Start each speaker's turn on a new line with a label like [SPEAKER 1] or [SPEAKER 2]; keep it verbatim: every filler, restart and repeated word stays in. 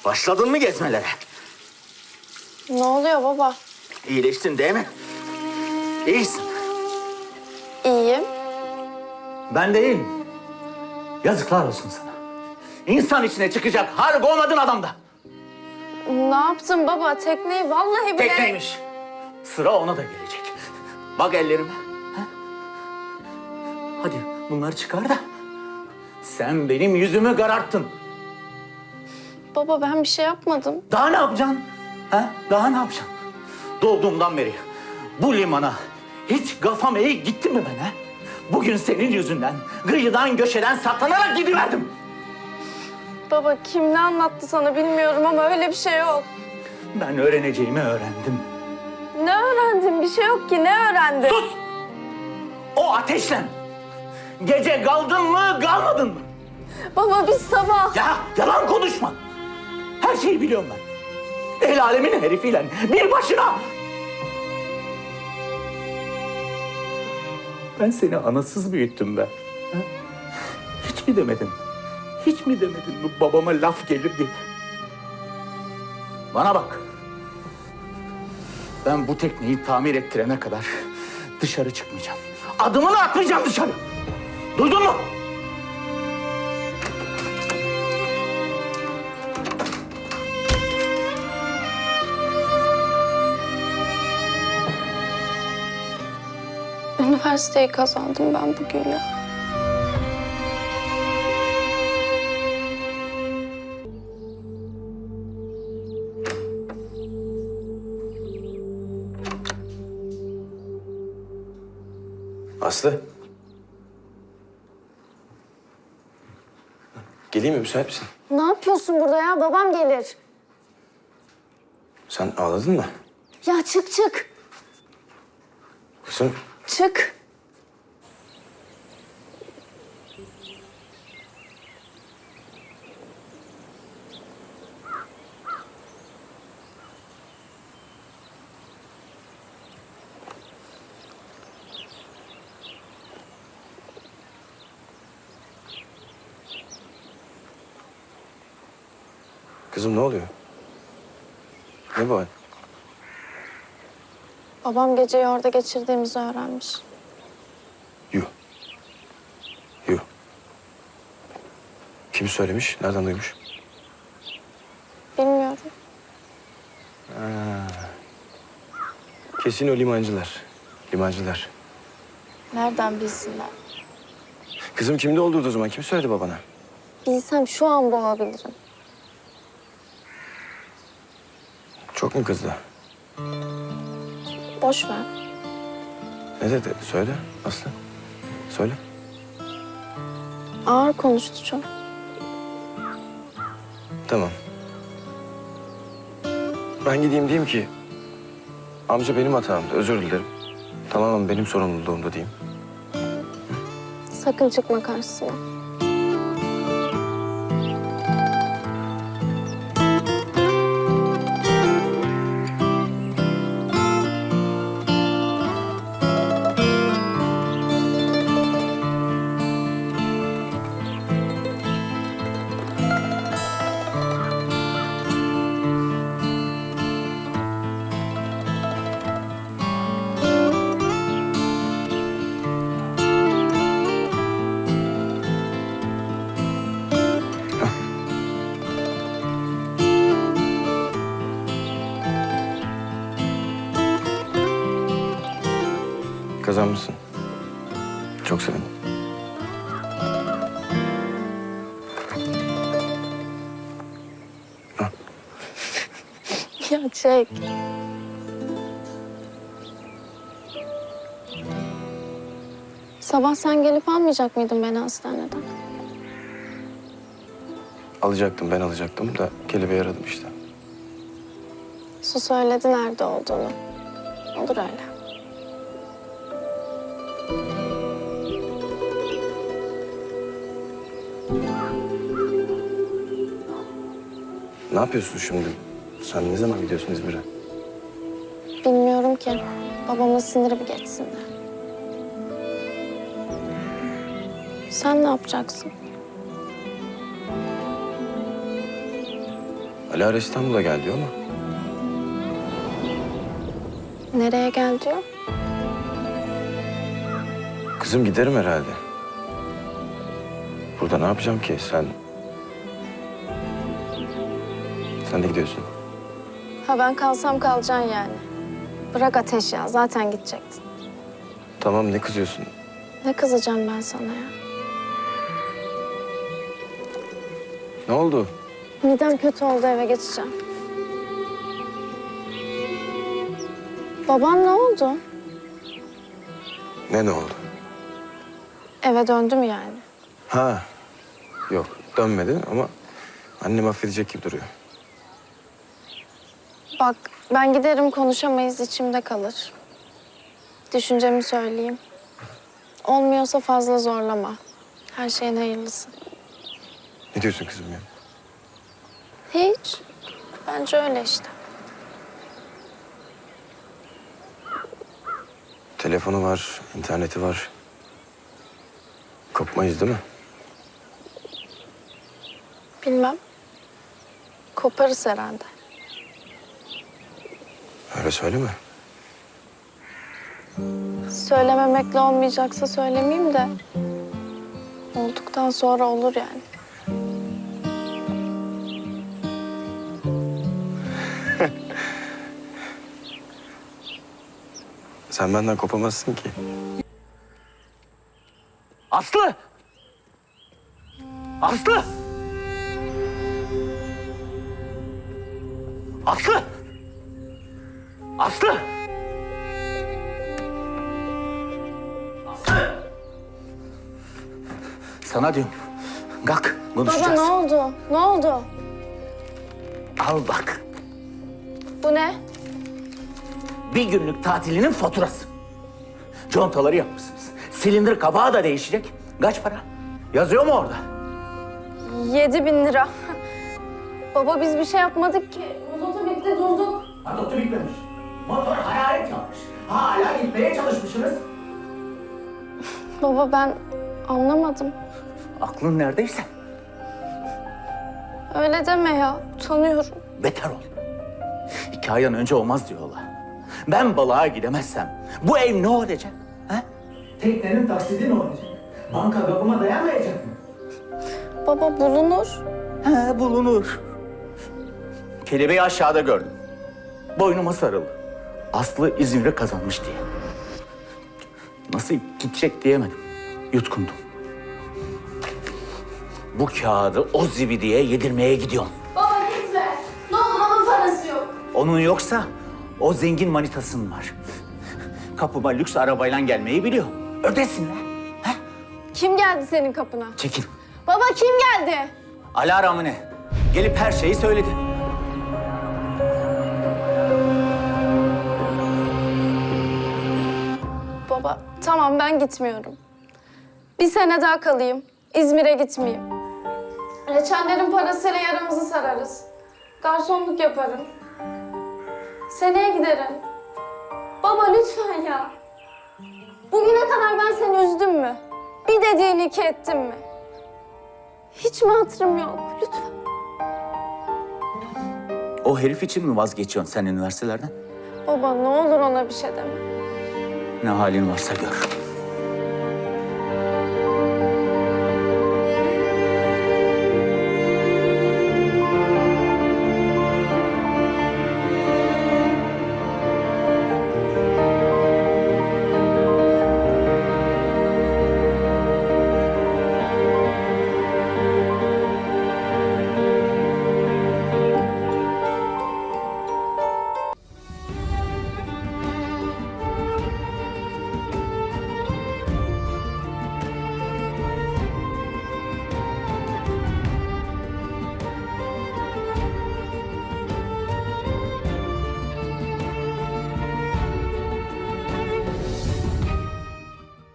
[SPEAKER 1] Başladın mı gezmelere?
[SPEAKER 2] Ne oluyor baba?
[SPEAKER 1] İyileştin değil mi? İyisin.
[SPEAKER 2] İyiyim.
[SPEAKER 1] Ben de iyiyim. Yazıklar olsun sana. İnsan içine çıkacak har olmadın adamda.
[SPEAKER 2] Ne yaptın baba? Tekneyi vallahi bile...
[SPEAKER 1] Tekneymiş. Sıra ona da gelecek. Bak ellerime. Ha? Hadi bunları çıkar da. Sen benim yüzümü kararttın.
[SPEAKER 2] Baba ben bir şey yapmadım.
[SPEAKER 1] Daha ne yapacaksın? Ha? Daha ne yapacaksın? Doğduğumdan beri bu limana hiç kafam eğik gitti mi ben ha? Bugün senin yüzünden kıyıdan köşeden saklanarak gidiverdim.
[SPEAKER 2] Baba kim ne anlattı sana bilmiyorum ama öyle bir şey yok.
[SPEAKER 1] Ben öğreneceğimi öğrendim.
[SPEAKER 2] Ne öğrendin? Bir şey yok ki. Ne öğrendin?
[SPEAKER 1] Sus! O ateşle gece kaldın mı kalmadın mı?
[SPEAKER 2] Baba biz sabah...
[SPEAKER 1] Ya yalan konuşma. Her şeyi biliyorum ben. El alemin herifiyle bir başına. Ben seni anasız büyüttüm be. Ha? Hiç mi demedin? Hiç mi demedin bu babama laf gelir diye? Bana bak. Ben bu tekneyi tamir ettirene kadar dışarı çıkmayacağım. Adımını atmayacağım dışarı. Duydun mu?
[SPEAKER 2] Üniversiteyi kazandım ben bugün ya.
[SPEAKER 3] Aslı. Geleyim mi? Müsait misin?
[SPEAKER 2] Ne yapıyorsun burada ya? Babam gelir.
[SPEAKER 3] Sen ağladın mı?
[SPEAKER 2] Ya çık çık.
[SPEAKER 3] Kızım,
[SPEAKER 2] Çık.
[SPEAKER 3] kızım ne oluyor? Ne bu hal?
[SPEAKER 2] Babam geceyi orada geçirdiğimizi öğrenmiş.
[SPEAKER 3] Yuh. Yuh. Kim söylemiş? Nereden duymuş?
[SPEAKER 2] Bilmiyorum.
[SPEAKER 3] Kesin o limancılar. Limancılar.
[SPEAKER 2] Nereden bilsinler?
[SPEAKER 3] Kızım kimde olduğu o zaman? Kim söyledi babana?
[SPEAKER 2] Bilsem şu an boğabilirim.
[SPEAKER 3] Çok mu kızdı?
[SPEAKER 2] Boş ver.
[SPEAKER 3] Ne dedi? Söyle Aslı. Söyle.
[SPEAKER 2] Ağır konuştu çok.
[SPEAKER 3] Tamam. Ben gideyim diyeyim ki... amca benim hatamdı, özür dilerim. Tamamen benim sorumluluğumda diyeyim.
[SPEAKER 2] Sakın çıkma karşısına.
[SPEAKER 3] Kazanmışsın. Çok sevindim.
[SPEAKER 2] Ya çek. Sabah sen gelip almayacak mıydın beni hastaneden?
[SPEAKER 3] Alacaktım, ben alacaktım da kelebeği aradım işte.
[SPEAKER 2] Su söyledi nerede olduğunu. Olur öyle.
[SPEAKER 3] Ne yapıyorsun şimdi? Sen ne zaman gidiyorsun İzmir'e?
[SPEAKER 2] Bilmiyorum ki. Babamın siniri bir geçsin de. Sen ne yapacaksın?
[SPEAKER 3] Alara İstanbul'a gel diyor ama
[SPEAKER 2] Nereye gel diyor?
[SPEAKER 3] kızım giderim herhalde. Burada ne yapacağım ki? Sen... Sen de gidiyorsun.
[SPEAKER 2] Ha ben kalsam kalacaksın yani. Bırak Ateş ya, zaten gidecektin.
[SPEAKER 3] Tamam, ne kızıyorsun?
[SPEAKER 2] Ne kızacağım ben sana ya?
[SPEAKER 3] Ne oldu?
[SPEAKER 2] Midem kötü oldu, eve geçeceğim. Baban ne oldu?
[SPEAKER 3] Ne ne oldu?
[SPEAKER 2] Eve döndü mü yani?
[SPEAKER 3] Ha, yok dönmedi ama annem affedecek gibi duruyor.
[SPEAKER 2] Bak ben giderim, konuşamayız, içimde kalır. Düşüncemi söyleyeyim. Olmuyorsa fazla zorlama. Her şeyin hayırlısı.
[SPEAKER 3] Ne diyorsun kızım ya?
[SPEAKER 2] Hiç. Bence öyle işte.
[SPEAKER 3] Telefonu var, interneti var. Kopmayız değil mi?
[SPEAKER 2] Bilmem. Koparız herhalde.
[SPEAKER 3] Öyle söyleme.
[SPEAKER 2] Söylememekle olmayacaksa söylemeyeyim de... olduktan sonra olur yani.
[SPEAKER 3] Sen benden kopamazsın ki.
[SPEAKER 1] Aslı! Aslı! Aslı! Aslı! Aslı! Sana diyorum. Kalk, konuşacağız.
[SPEAKER 2] Baba ne oldu? Ne oldu?
[SPEAKER 1] Al bak.
[SPEAKER 2] Bu ne?
[SPEAKER 1] Bir günlük tatilinin faturası. Contaları yapmışsınız. Silindir kapağı da değişecek. Kaç para? Yazıyor mu orada?
[SPEAKER 2] Yedi bin lira. Baba biz bir şey yapmadık ki. Mototu bitti, durduk.
[SPEAKER 1] Motoru bitmemiş. Motor hararet yapmış. Hala gitmeye çalışmışsınız.
[SPEAKER 2] Baba ben anlamadım.
[SPEAKER 1] Aklın neredeyse
[SPEAKER 2] Öyle deme ya. Utanıyorum.
[SPEAKER 1] beter ol. İki aydan önce olmaz diyorlar. Ben balığa gidemezsem bu ev ne olacak? Ha? Teknenin taksidi ne olacak? Banka kapıma dayanmayacak mı?
[SPEAKER 2] Baba bulunur.
[SPEAKER 1] He, bulunur. Kelebeği aşağıda gördüm. Boynuma sarıldı. Aslı İzmir'e kazanmış diye. Nasıl gidecek diyemedim. Yutkundum. Bu kağıdı o zibidiye yedirmeye gidiyorum.
[SPEAKER 2] Baba gitme. Ne olur onun parası yok.
[SPEAKER 1] Onun yoksa o zengin manitasının var. Kapıma lüks arabayla gelmeyi biliyor. Ödesinler. He?
[SPEAKER 2] Kim geldi senin kapına?
[SPEAKER 1] Çekil.
[SPEAKER 2] Baba kim geldi?
[SPEAKER 1] Alara mı ne? Gelip her şeyi söyledi.
[SPEAKER 2] Baba tamam ben gitmiyorum. Bir sene daha kalayım. İzmir'e gitmeyeyim. Reçellerin parasıyla yaramızı sararız. Garsonluk yaparım. Seneye giderim. Baba lütfen ya. Bugüne kadar ben seni üzdüm mü? Bir dediğini iki ettim mi? Hiç mi hatırım yok? Lütfen.
[SPEAKER 1] O herif için mi vazgeçiyorsun sen üniversitelerden?
[SPEAKER 2] Baba ne olur ona bir şey deme.
[SPEAKER 1] Ne halin varsa gör.